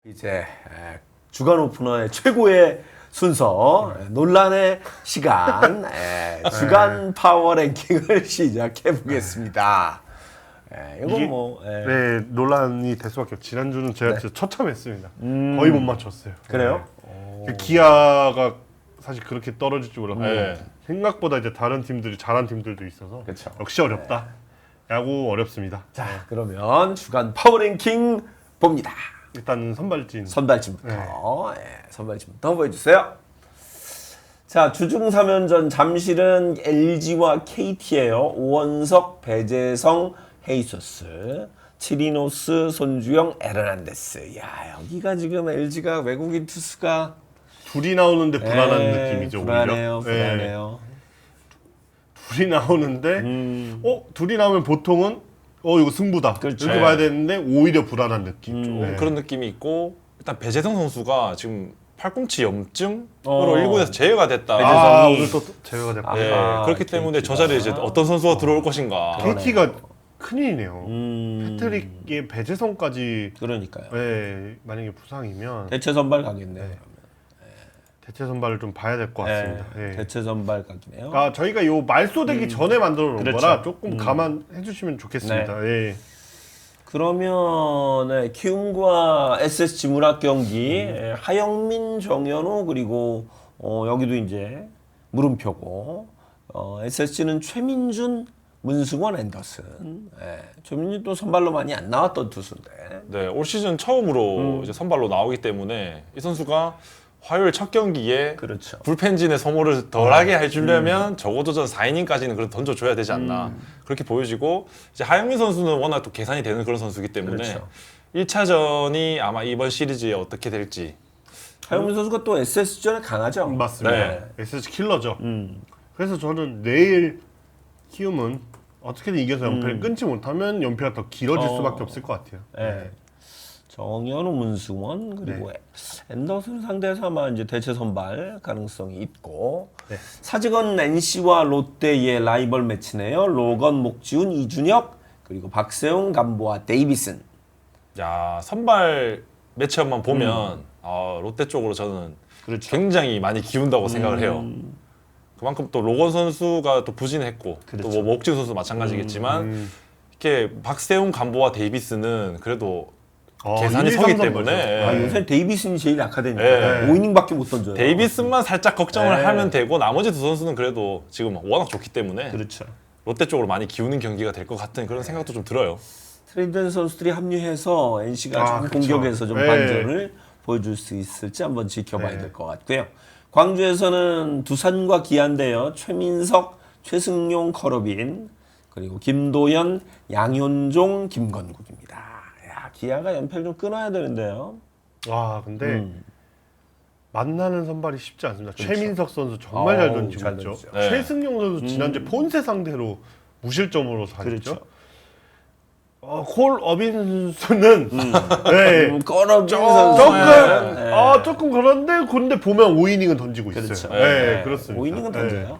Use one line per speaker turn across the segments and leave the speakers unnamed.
이제 주간 오프너의 최고의 순서 논란의 시간 주간 파워 랭킹을 시작해 보겠습니다. 이건 뭐
네, 논란이 될 수밖에 없죠. 지난주는 제가 진짜 처참했습니다. 거의 못 맞췄어요.
그래요?
네. 기아가 사실 그렇게 떨어질 줄 몰랐고 생각보다 이제 다른 팀들이 잘한 팀들도 있어서
그쵸.
역시 어렵다. 야구 어렵습니다.
자, 그러면 주간 파워 랭킹 봅니다.
일단 선발진.
선발진부터 선발진부터 보여주세요. 자, 주중 3연전 잠실은 LG와 KT예요. 오원석, 배재성, 헤이소스, 치리노스, 손주영, 에르난데스. 야, 여기가 지금 LG가 외국인 투수가
둘이 나오는데 불안한 느낌이죠.
불안해요,
오히려.
불안해요.
둘이 나오는데 둘이 나오면 보통은 이거 승부다.
그렇죠.
이렇게 봐야 되는데 오히려 불안한 느낌. 좀.
그런 느낌이 있고 일단 배재성 선수가 지금 팔꿈치 염증으로 1군에서 제외가 됐다.
배재성이-
오늘 또 제외가 됐고.
네, 그렇기 때문에 저 자리에 이제 어떤 선수가 들어올 것인가.
KT가 큰일이네요. 패트릭의 배재성까지
그러니까요.
만약에 부상이면
대체 선발 가겠네요.
대체 선발을 좀 봐야 될 것 같습니다. 예.
대체 선발 가기네요.
저희가 요 말소되기 전에 만들어 놓은
그렇죠.
거라 조금 감안해 주시면 좋겠습니다. 예.
그러면 키움과 SSG 문학 경기 하영민, 정현우 그리고 여기도 이제 물음표고 SSG는 최민준, 문승원, 앤더슨. 최민준 또 선발로 많이 안 나왔던 투수인데.
네, 올 시즌 처음으로 이제 선발로 나오기 때문에 이 선수가 화요일 첫 경기에
그렇죠.
불펜진의 소모를 덜하게 해주려면 적어도 전 4이닝까지는 그래도 던져줘야 되지 않나 그렇게 보여지고 이제 하영민 선수는 워낙 또 계산이 되는 그런 선수이기 때문에
그렇죠.
1차전이 아마 이번 시리즈에 어떻게 될지
하영민 선수가 또 SSG전에 강하죠.
맞습니다.
네.
SSG 킬러죠. 그래서 저는 내일 키움은 어떻게든 이겨서 연패를 끊지 못하면 연패가 더 길어질 수밖에 없을 것 같아요.
네. 정현우, 문승원 그리고 앤더슨 상대에서 아마 이제 대체 선발 가능성이 있고 사직원 NC와 롯데의 라이벌 매치네요. 로건, 목지훈, 이준혁 그리고 박세웅, 감보아, 데이비슨.
야 선발 매치업만 보면 롯데 쪽으로 저는
그렇죠.
굉장히 많이 기운다고 생각을 해요. 그만큼 또 로건 선수가 또 부진했고
그렇죠.
또 뭐 목지훈 선수 마찬가지겠지만 이렇게 박세웅, 감보아, 데이비스는 그래도 계산이
1, 2,
서기
3
때문에
요새 데이비슨이 제일 약하다니까.
네.
5이닝밖에 못 던져요.
데이비스만 살짝 걱정을
네.
하면 되고 나머지 두 선수는 그래도 지금 워낙 좋기 때문에
그렇죠.
롯데 쪽으로 많이 기우는 경기가 될 것 같은 그런 생각도 좀 들어요.
트레이드 선수들이 합류해서 NC가 좀
그쵸.
공격에서 좀
네.
반전을 보여줄 수 있을지 한번 지켜봐야 될 것 같고요. 광주에서는 두산과 기아인데요. 최민석, 최승용, 커러빈 그리고 김도현, 양현종, 김건국입니다. 야, 기아가 연패를 좀 끊어야 되는데요.
와 근데 만나는 선발이 쉽지 않습니다. 최민석 선수 정말
어우,
잘 던지고
잘
있죠.
던지죠.
네.
최승용 선수 지난주에 폰세 상대로 무실점으로 살았죠.
그렇죠.
콜 어빈스는
꺼러빈
조금
선수.
조금 그런데 근데 보면 5이닝은 던지고 있어요.
그렇죠.
네, 그렇습니다.
5이닝은 던져요.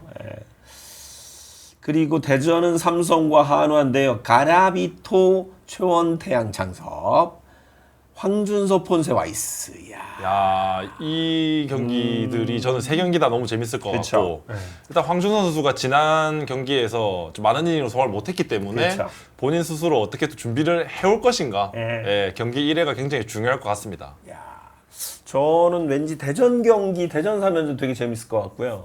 그리고 대전은 삼성과 한화인데요. 가라비토, 최원태양, 장섭, 황준서, 폰세, 와이스.
야, 이 경기들이 저는 세 경기 다 너무 재밌을 것
그쵸.
같고 일단 황준선 선수가 지난 경기에서 좀 많은 이닝으로 소화를 못했기 때문에
그쵸.
본인 스스로 어떻게 또 준비를 해올 것인가
예.
경기 1회가 굉장히 중요할 것 같습니다.
저는 왠지 대전 경기, 대전 3연전 되게 재밌을 것 같고요.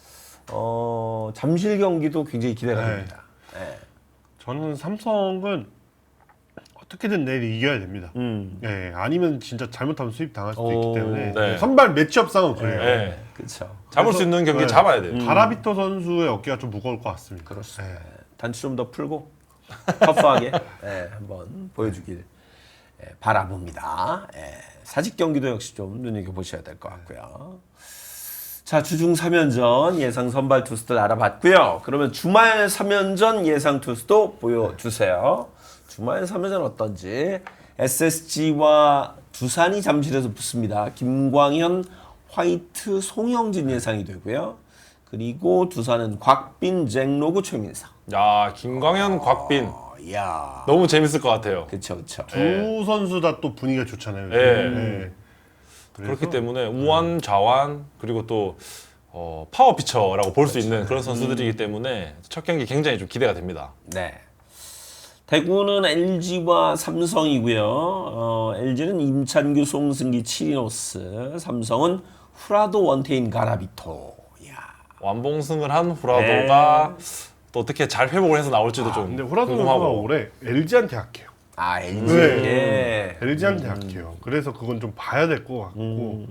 잠실 경기도 굉장히 기대가 됩니다.
저는 삼성은 어떻게든 내일 이겨야 됩니다. 아니면 진짜 잘못하면 수입 당할 수도 있기 때문에
네.
선발 매치업상은 그래요.
네.
그렇죠.
잡을 수 있는 경기 잡아야 돼요.
가라비토 선수의 어깨가 좀 무거울 것 같습니다.
그렇습니다. 단추 좀 더 풀고 터프하게 한번 보여주길 바라봅니다. 사직 경기도 역시 좀 눈여겨보셔야 될 것 같고요. 자, 주중 3연전 예상 선발 투수들 알아봤고요. 그러면 주말 3연전 예상 투수도 보여주세요. 주말 3연전 어떤지. SSG와 두산이 잠실에서 붙습니다. 김광현, 화이트, 송영진 예상이 되고요. 그리고 두산은 곽빈, 잭로그, 최민석.
야, 김광현, 곽빈.
이야.
너무 재밌을 것 같아요.
그쵸.
두 선수 다 또 분위기가 좋잖아요. 요즘.
예.
네.
그렇기 때문에 우완, 좌완 그리고 또 파워 피처라고 볼 수 있는 그런 선수들이기 때문에 첫 경기 굉장히 좀 기대가 됩니다.
네. 대구는 LG와 삼성이고요. LG는 임찬규, 송승기, 치리노스, 삼성은 후라도, 원태인, 가라비토. 이야.
완봉승을 한 후라도가 또 어떻게 잘 회복을 해서 나올지도 좀
근데 호라도 선수가
궁금하고.
올해 LG한테 약해요.
아, LG.
네.
예.
LG한테 약해요. 그래서 그건 좀 봐야 될 것 같고.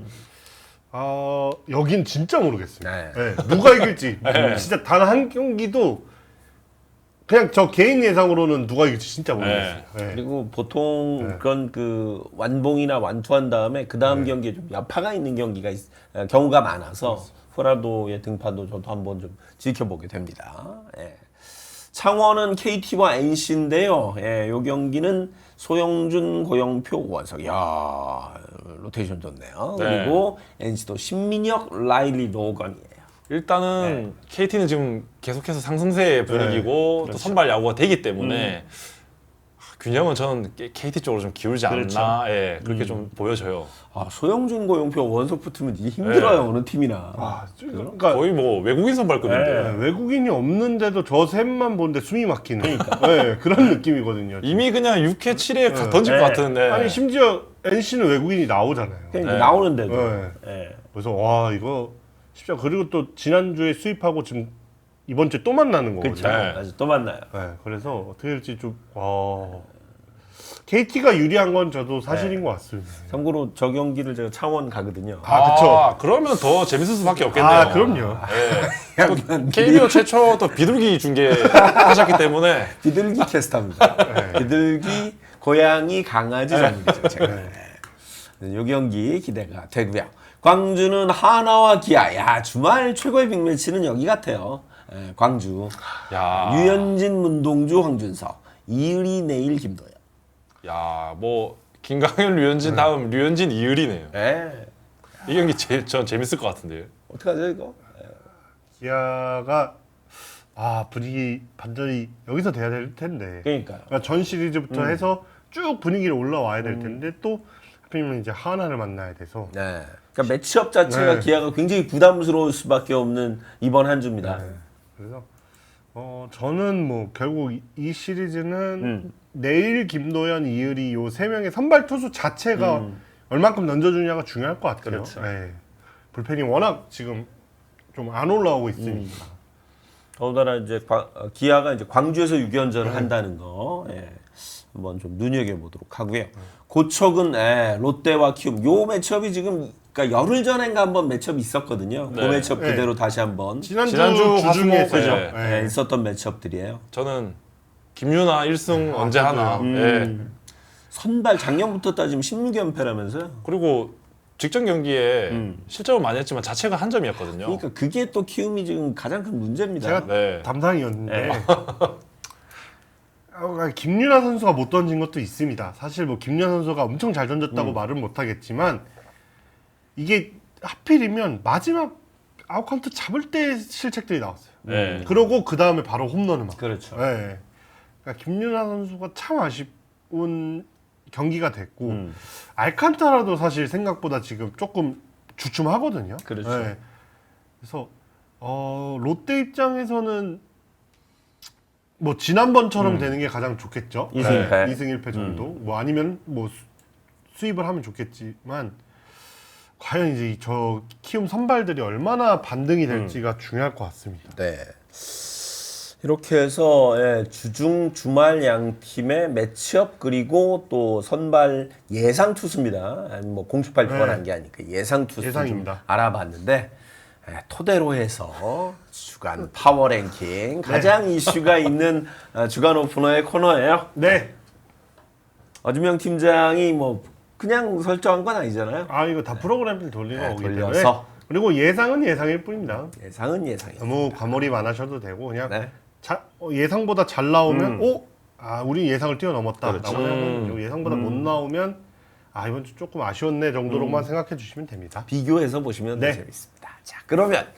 여긴 진짜 모르겠어요.
네.
네, 누가 이길지 진짜 단 한 경기도 그냥 저 개인 예상으로는 누가 이길지 진짜 모르겠어요. 네.
그리고 보통 그런 그 완봉이나 완투한 다음에 그 다음 경기에 좀 여파가 있는 경우가 많아서 후라도의 등판도 저도 한번 좀 지켜보게 됩니다. 예. 창원은 KT와 NC인데요. 예, 요 경기는 소영준, 고영표, 오원석. 야, 로테이션 좋네요.
네.
그리고 NC도 신민혁, 라일리, 노건이에요.
일단은 KT는 지금 계속해서 상승세의 분위기고 또 선발 야구가 되기 때문에 균형은 저는 KT 쪽으로 좀 기울지 않나 예, 그렇게 좀 보여져요.
아, 소영준, 고영표, 오원석 붙으면 이게 힘들어요. 어느 팀이나.
그러니까
거의 뭐 외국인 선발급인데
네, 외국인이 없는데도 저 셋만 보는데 숨이 막히는 네, 그런 느낌이거든요.
이미 그냥 6회, 7회 던질 것 같은. 예.
아니 심지어 NC는 외국인이 나오잖아요.
그러니까
네.
나오는데도.
네.
예.
그래서 와 이거 쉽지 않. 그리고 또 지난주에 수입하고 지금 이번 주에 또 만나는
그렇죠.
거거든요.
네.
아주 또 만나요.
네, 그래서 어떻게 될지 좀 KT가 유리한 건 저도 사실인 것 같습니다.
참고로 저 경기를 제가 창원 가거든요.
그쵸.
그러면 더 재밌을 수밖에 없겠네요.
아 그럼요.
예. 또 KBO 최초 또 비둘기 중계하셨기 때문에
비둘기 캐스터입니다. 비둘기, 고양이, 강아지 전문이죠. 제가. 네. 요 경기 기대가 되고요. 광주는 하나와 기아. 야, 주말 최고의 빅매치는 여기 같아요. 예, 광주.
야,
유현진, 문동주, 황준석. 이의리, 내일, 김도현.
야, 뭐 김강현, 류현진 다음 류현진, 이을이네요.
예.
이 경기 전 재밌을 것 같은데요.
어떡하죠 이거?
기아가 분위기 반전이 여기서 돼야 될 텐데.
그러니까요.
그러니까 전 시리즈부터 해서 쭉 분위기를 올라와야 될 텐데 또 하필이면 이제 하나를 만나야 돼서.
네. 그러니까 매치업 자체가
네.
기아가 굉장히 부담스러울 수밖에 없는 이번 한 주입니다.
그래서 저는 뭐 결국 이 시리즈는 내일 김도현, 이을이 요 세 명의 선발 투수 자체가 얼만큼 던져주냐가 중요할 것 같아요.
그렇죠.
네. 불펜이 워낙 지금 좀 안 올라오고 있으니까.
더군다나 이제 기아가 이제 광주에서 6연전을 한다는 거 한번 좀 눈여겨보도록 하고요. 고척은 롯데와 키움 요 매치업이 지금 그러니까 열흘 전인가 한번 매치업이 있었거든요. 그
네.
매치업 그대로 다시 한번
지난주
화수목,
주중에서
네.
있었던 매치업들이에요.
저는 김유나 1승 언제 하나. 예.
선발 작년부터 따지면 16연패라면서요.
그리고 직전 경기에 실점을 많이 했지만 자체가 한 점이었거든요.
그러니까 그게 또 키움이 지금 가장 큰 문제입니다.
제가
네.
담당이었는데 김윤아 선수가 못 던진 것도 있습니다. 사실 뭐 김윤아 선수가 엄청 잘 던졌다고 말은 못하겠지만 이게 하필이면 마지막 아웃카운트 잡을 때 실책들이 나왔어요.
네.
그러고 그 다음에 바로 홈런을 막.
그렇죠.
네. 그러니까 김윤아 선수가 참 아쉬운 경기가 됐고 알칸타라도 사실 생각보다 지금 조금 주춤하거든요.
그렇죠.
네. 그래서 롯데 입장에서는 뭐 지난번처럼 되는 게 가장 좋겠죠.
2승 1패.
2승 1패 정도. 뭐 아니면 뭐 수입을 하면 좋겠지만 과연 이제 저 키움 선발들이 얼마나 반등이 될지가 중요할 것 같습니다.
네. 이렇게 해서 주중 주말 양 팀의 매치업 그리고 또 선발 예상 투수입니다. 아니, 뭐 공식 발표가 난 게 아니니까 예상 투수 좀
예상입니다.
알아봤는데 토대로 해서 주간 파워 랭킹 가장 이슈가 있는 주간 오프너의 코너예요.
네.
어주명 팀장이 뭐 그냥 설정한 건 아니잖아요.
이거 다 프로그램을 돌리는 거기 때문에.
돌려서
그리고 예상은 예상일 뿐입니다.
예상은 예상이에요.
너무 과몰입 안 하셔도 되고 그냥
네.
예상보다 잘 나오면 우리 예상을 뛰어넘었다.
그렇죠.
라고 하면 예상보다 못 나오면 이번 주 조금 아쉬웠네 정도로만 생각해 주시면 됩니다.
비교해서 보시면 더
네.
재밌습니다. 자, 그러면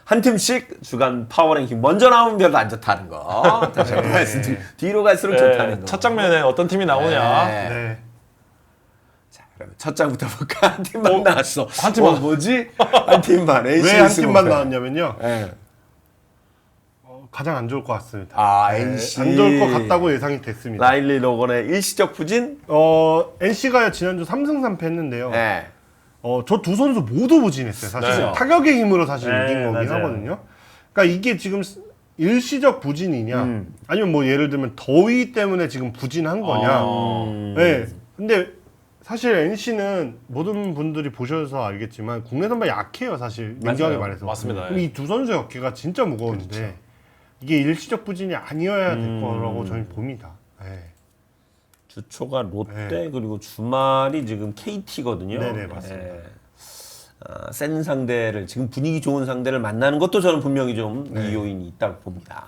한 팀씩 주간 파워랭킹 먼저 나오면 별로 안 좋다는 거. 다시 한번 말씀드리고 뒤로 갈수록 좋다는 거.
첫 장면에 어떤 팀이 나오냐.
네.
네.
자, 그러면 첫 장부터 볼까? 한 팀만 나왔어.
한 팀만.
뭐지? 한 팀만. NC
왜 한
승
팀만
오패.
나왔냐면요.
네.
가장 안 좋을 것 같습니다.
아,
네,
NC.
안 좋을 것 같다고 예상이 됐습니다.
라일리 로건의 일시적 부진?
NC가 지난주 3승 3패 했는데요.
네.
저 두 선수 모두 부진했어요. 사실
네.
타격의 힘으로 사실
네,
이긴 거긴
맞아요.
하거든요. 그러니까 이게 지금 일시적 부진이냐, 아니면 뭐 예를 들면 더위 때문에 지금 부진한 거냐. 네. 근데 사실 NC는 모든 분들이 보셔서 알겠지만 국내 선발 약해요. 사실 민정하게
맞아요.
말해서.
맞습니다.
그럼 이 두 선수의 어깨가 진짜 무거운데
그렇죠.
이게 일시적 부진이 아니어야 될 거라고 저는 봅니다. 네.
주초가 롯데 그리고 주말이 지금 KT거든요.
네네, 맞습니다.
센 상대를 지금 분위기 좋은 상대를 만나는 것도 저는 분명히 좀 이 요인이 있다고 봅니다.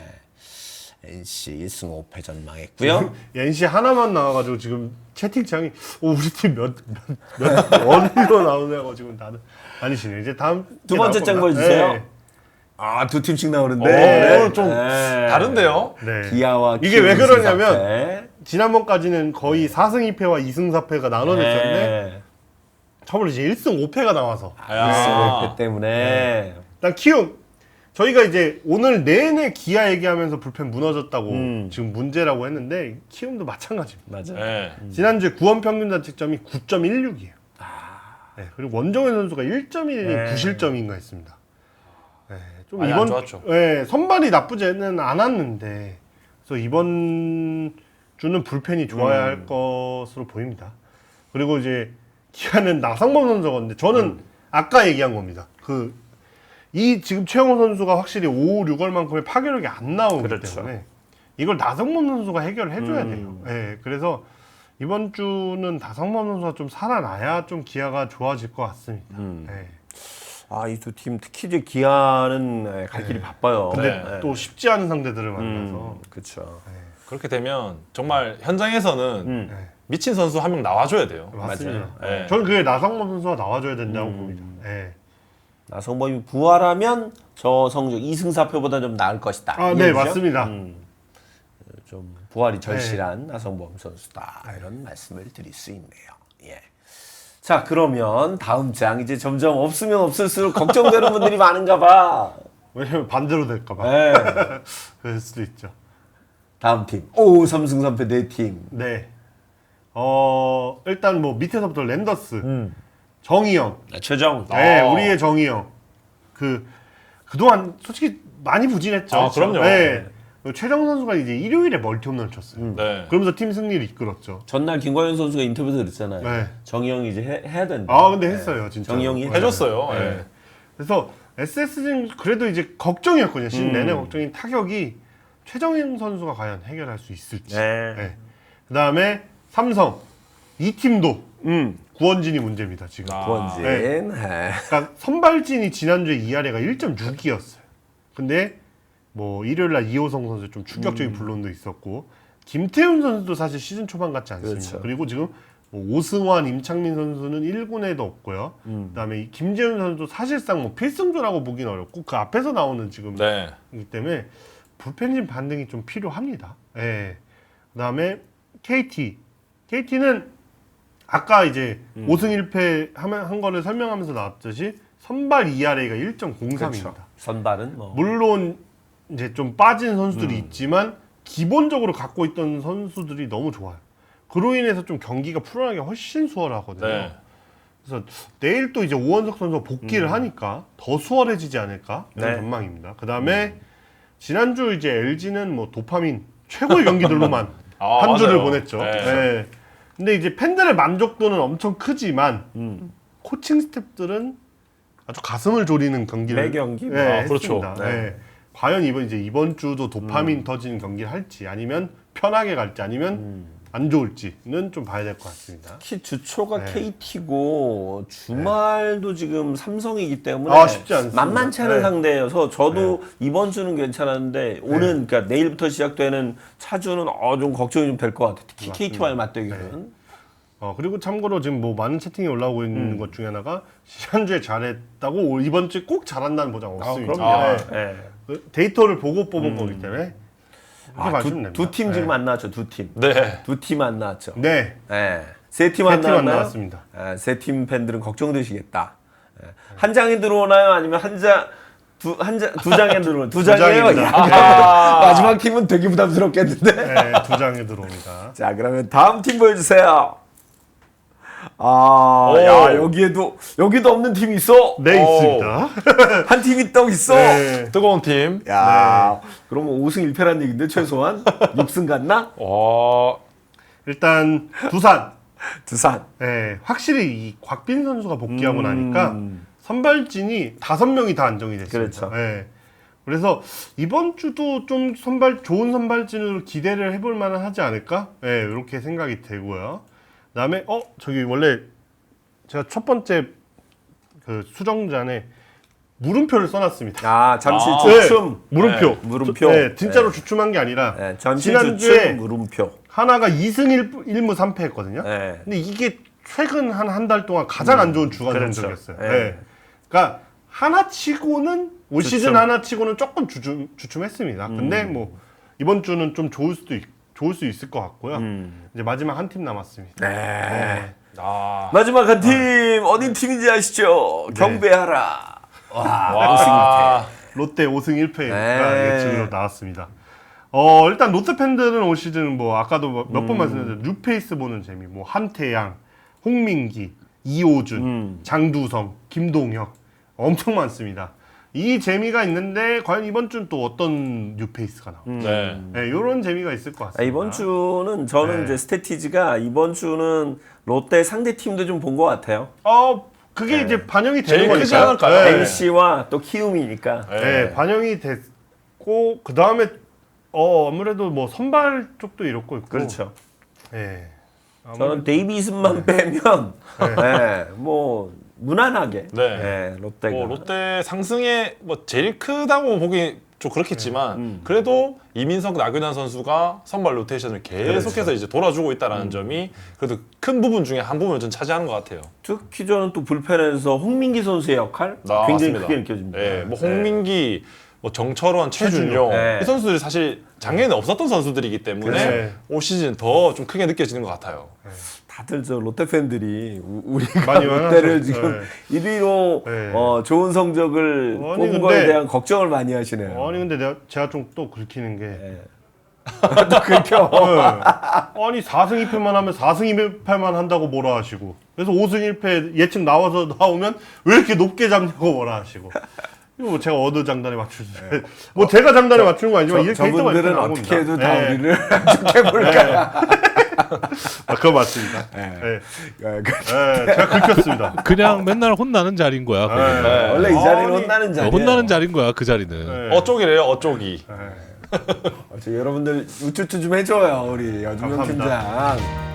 NC 1승 5패 전망했고요.
NC 하나만 나와가지고 지금 채팅창이 우리 팀 몇 원으로 나오냐고 지금 다들 아니시네. 이제 다음
두 번째 장 보여주세요.
네.
아, 두 팀씩 나오는데
오, 좀 다른데요?
네.
기아와
이게 왜
키움
그러냐면
승사패.
지난번까지는 거의 4승 2패와 2승 4패가 나눠졌었는데 저번에 이제 1승 5패가 나와서
야.
1승 5패 때문에
일단 키움 저희가 이제 오늘 내내 기아 얘기하면서 불펜 무너졌다고 지금 문제라고 했는데 키움도 마찬가지입니다.
맞아.
네.
지난주에 구원 평균 자책점이 9.16이에요. 네, 그리고 원정현 선수가 1.1 9실점인가 했습니다. 네, 좀
많이 안
이번
좋았죠.
네, 선발이 나쁘지는 않았는데 그래서 이번 주는 불펜이 좋아야 할 것으로 보입니다. 그리고 이제 기아는 나상범 선수가 있는데 저는 아까 얘기한 겁니다. 이 지금 최영호 선수가 확실히 5, 6월만큼의 파괴력이 안 나오기
그렇죠.
때문에 이걸 나성범 선수가 해결을 해줘야 돼요. 네, 그래서 이번 주는 나성범 선수가 좀 살아나야 좀 기아가 좋아질 것 같습니다. 네.
아, 이 두 팀 특히 이제 기아는 갈 길이 바빠요.
근데
네.
또 쉽지 않은 상대들을 만나서
그렇죠.
그렇게 되면 정말 현장에서는
네.
미친 선수 한 명 나와줘야 돼요.
맞습니다.
네.
저는 그게 나성범 선수가 나와줘야 된다고 봅니다. 네.
나성범이 부활하면 저 성적 2승 4패보다 좀 나을 것이다.
아,
이
네,
얘기죠?
맞습니다.
좀 부활이 절실한 나성범 선수다. 이런 말씀을 드릴 수 있네요. 예. 자, 그러면 다음 장 이제 점점 없으면 없을수록 걱정되는 분들이 많은가 봐.
왜냐면 반대로 될까봐.
네.
그럴 수도 있죠.
다음 팀. 오, 3승 3패 네 팀.
네. 일단 뭐 밑에서부터 랜더스, 정희영.
최정.
네,
아.
우리의 정희영. 그동안 솔직히 많이 부진했죠.
아, 그럼요.
네. 최정 선수가 이제 일요일에 멀티 홈런을 쳤어요.
네.
그러면서 팀 승리를 이끌었죠.
전날 김광현 선수가 인터뷰에서 그랬잖아요.
네.
정희영이 이제 해야 된다.
아, 근데 했어요, 진짜.
정희영이
해줬어요.
네.
네.
그래서 SS는 그래도 이제 걱정이었거든요. 시즌 내내 걱정인 타격이 최정희 선수가 과연 해결할 수 있을지.
네.
네. 그다음에 삼성 이 팀도 구원진이 문제입니다 지금.
아.
구원진.
네.
네.
그러니까 선발진이 지난주에 ERA가 1.6이었어요. 근데 뭐 일요일날 이호성 선수 좀 충격적인 불론도 있었고 김태훈 선수도 사실 시즌 초반 같지 않습니다.
그렇죠.
그리고 지금 뭐 오승환, 임창민 선수는 1군에도 없고요. 그다음에 이 김재훈 선수도 사실상 뭐 필승조라고 보기는 어렵고 그 앞에서 나오는 지금
네.
이기 때문에 불펜진 반등이 좀 필요합니다. 예. 그다음에 KT는 아까 이제 5승 1패 한 거를 설명하면서 나왔듯이 선발 ERA가 1.03입니다.
그렇죠. 선발은 뭐
물론 이제 좀 빠진 선수들이 있지만 기본적으로 갖고 있던 선수들이 너무 좋아요. 그로 인해서 좀 경기가 풀어나기가 훨씬 수월하거든요.
네.
그래서 내일 또 이제 오원석 선수가 복귀를 하니까 더 수월해지지 않을까 이런
네.
전망입니다. 그 다음에 지난주 이제 LG는 뭐 도파민 최고의 경기들로만
아,
한 주를
맞아요.
보냈죠.
네.
네. 근데 이제 팬들의 만족도는 엄청 크지만 코칭 스태프들은 아주 가슴을 졸이는 경기를
매 경기?
네,
아, 그렇죠.
했습니다.
네.
네. 과연 이번 주도 도파민 터지는 경기를 할지 아니면 편하게 갈지 아니면 안 좋을지는 좀 봐야 될 것 같습니다.
특히 주초가
네.
KT고 주말도 지금 삼성이기 때문에
아, 쉽지 않습니다.
만만치 않은
네.
상대여서 저도 이번 주는 괜찮았는데 오는 그러니까 내일부터 시작되는 차주는 좀 걱정이 좀 될 것 같아요. 특히
맞습니다.
KT와의 맞대결은
그리고 참고로 지금 뭐 많은 채팅이 올라오고 있는 것 중에 하나가 지난주에 잘했다고 이번 주에 꼭 잘한다는 보장 없습니다.
그럼요.
네.
예.
그 데이터를 보고 뽑은 거기 때문에 이렇게 봐주면 됩니다.
두 팀 지금 안 나왔죠. 두 팀.
네.
두 팀 안 나왔죠.
네.
예. 세 팀 안
세 팀 안
나왔나요?
나왔습니다.
예, 세 팀 팬들은 걱정되시겠다. 예. 한 장에 들어오나요? 아니면 두 장에 들어오나요? 두 장이에요?
장입니다.
야, 마지막 팀은 되게 부담스럽겠는데.
네, 2장에 들어옵니다.
자, 그러면 다음 팀 보여주세요.
오.
야, 여기도 없는 팀이 있어.
네,
오.
있습니다.
한 팀이 또 있어.
네.
뜨거운 팀.
야, 그러면 5승 1패란 얘기인데 최소한 6승 갔나?
일단 두산.
두산.
네, 확실히 이 곽빈 선수가 복귀하고 나니까 선발진이 5명이 다 안정이 됐습니다.
그렇죠.
네. 그래서 이번 주도 좀 좋은 선발진으로 기대를 해볼 만은 하지 않을까? 네, 이렇게 생각이 되고요. 그다음에 저기 원래 제가 첫 번째 그 수정잔에 물음표를 써놨습니다.
아, 잠시
아.
주춤.
물음표.
네,
물음표.
네, 진짜로 주춤한 게 아니라
네, 잠시
지난주에
주춤 물음표.
하나가 2승 1무 3패 했거든요.
네.
근데 이게 최근 한 달 동안 가장 안 좋은 주간
그렇죠.
성적이었어요.
네.
네. 그러니까 하나치고는 올
주춤.
시즌 하나치고는 조금 주춤했습니다. 근데 뭐 이번 주는 좀 좋을 수 있을 것 같고요. 이제 마지막 한 팀 남았습니다.
네.
아.
마지막 한 팀 어디 팀인지 아시죠? 경배하라. 와,
와.
롯데 5승 1패가
네.
예측으로 나왔습니다. 일단 롯데 팬들은 올 시즌 뭐 아까도 몇 번 말씀드렸는데 뉴페이스 보는 재미, 뭐 한태양, 홍민기, 이호준, 장두성, 김동혁 엄청 많습니다. 이 재미가 있는데 과연 이번 주는 또 어떤 뉴페이스가 나올까?
네.
네, 이런 재미가 있을 것 같습니다.
이번 주는 저는
네.
이제 스태티지가 이번 주는 롯데 상대 팀도 좀 본 것 같아요.
그게 이제 반영이
제일
되는
크지
거니까요.
않을까요?
네.
NC와 또 키움이니까.
네, 반영이 됐고 그 다음에 아무래도 뭐 선발 쪽도 이렇고 있고.
그렇죠.
네.
저는 데이비슨만 빼면 뭐 무난하게
네.
롯데가
롯데 상승에 뭐 제일 크다고 보기 좀 그렇겠지만 그래도 이민석, 나균환 선수가 선발 로테이션을 계속해서
그렇죠.
이제 돌아주고 있다라는 점이 그래도 큰 부분 중에 한 부분을 좀 차지하는 것 같아요.
특히 저는 또 불펜에서 홍민기 선수의 역할 굉장히
맞습니다.
크게 느껴집니다.
네, 뭐 홍민기, 뭐 정철원, 최준용
네.
이 선수들이 사실 작년에 없었던 선수들이기 때문에
그렇죠.
올 시즌 더 좀 크게 느껴지는 것 같아요.
다들 저 롯데 팬들이 우리가
많이
롯데를
많아서,
지금 1위로
네.
좋은 성적을
아니,
뽑은
근데-
거에 대한 걱정을 많이 하시네요.
아니 근데 제가 좀 또 긁히는 게
또 그렇죠.
아니 4승 2패만 하면 4승 2패만 한다고 뭐라 하시고 그래서 5승 1패 예측 나오면 왜 이렇게 높게 잡냐고 뭐라 하시고 이거 뭐 제가 어느 장단에 맞출 수 뭐 제가 장단에 맞추는 거 아니지만 이게 캐릭터가
저분들은
이렇게
어떻게 해도
나옵니다.
다
네.
우리를 좋게 볼까.
그거 맞습니다. 네. 제가 긁혔습니다.
그냥 맨날 혼나는 자리인 거야. 거기는.
네.
원래 이 자리는
아니,
혼나는 자리예요.
혼나는 자리인 거야 그 자리는.
네.
어쪽이래요, 어쪽이.
여러분들 우쭈쭈 좀 해줘요 우리 여준명
감사합니다.
팀장.